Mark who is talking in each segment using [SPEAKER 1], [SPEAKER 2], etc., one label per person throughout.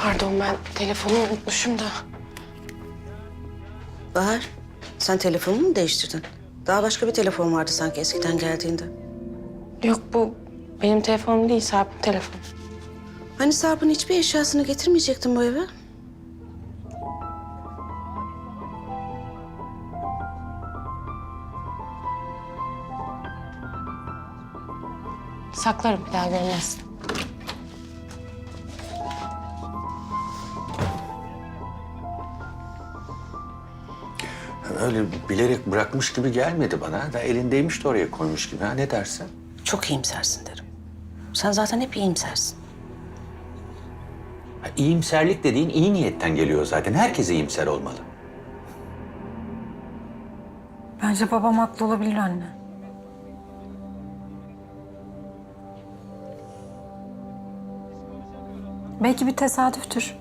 [SPEAKER 1] Pardon, ben telefonumu unutmuşum da.
[SPEAKER 2] Bahar, sen telefonunu mu değiştirdin? Daha başka bir telefon vardı sanki eskiden geldiğinde.
[SPEAKER 1] Yok, bu benim telefonum değil, Sarp'ın telefonu.
[SPEAKER 2] Hani Sarp'ın hiçbir eşyasını getirmeyecektin bu eve?
[SPEAKER 1] Saklarım, bir daha görmezsin.
[SPEAKER 3] Öyle bilerek bırakmış gibi gelmedi bana. Da elindeymiş de oraya koymuş gibi. Ha, ne dersin?
[SPEAKER 2] Çok iyimsersin derim. Sen zaten hep iyimsersin.
[SPEAKER 3] Ha, iyimserlik dediğin iyi niyetten geliyor zaten. Herkes iyimser olmalı.
[SPEAKER 4] Bence babam haklı olabilir anne. Belki bir tesadüftür.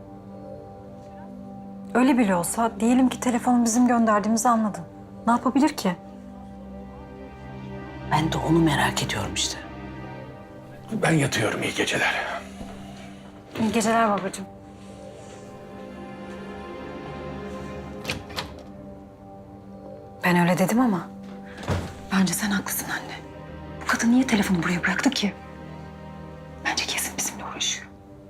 [SPEAKER 4] Öyle bile olsa diyelim ki telefonu bizim gönderdiğimizi anladın. Ne yapabilir ki?
[SPEAKER 2] Ben de onu merak ediyorum işte.
[SPEAKER 3] Ben yatıyorum, iyi geceler.
[SPEAKER 4] İyi geceler babacığım. Ben öyle dedim ama bence sen haklısın anne. Bu kadın niye telefonu buraya bıraktı ki? Bence kesin bizimle uğraşıyor.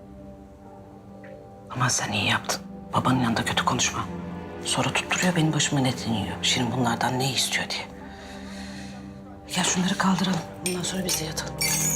[SPEAKER 2] Ama sen iyi yaptın. Babanın yanında kötü konuşma. Sonra tutturuyor benim başıma ne deniyor. Şimdi bunlardan ne istiyor diye. Gel şunları kaldıralım. Ondan sonra biz de yatalım.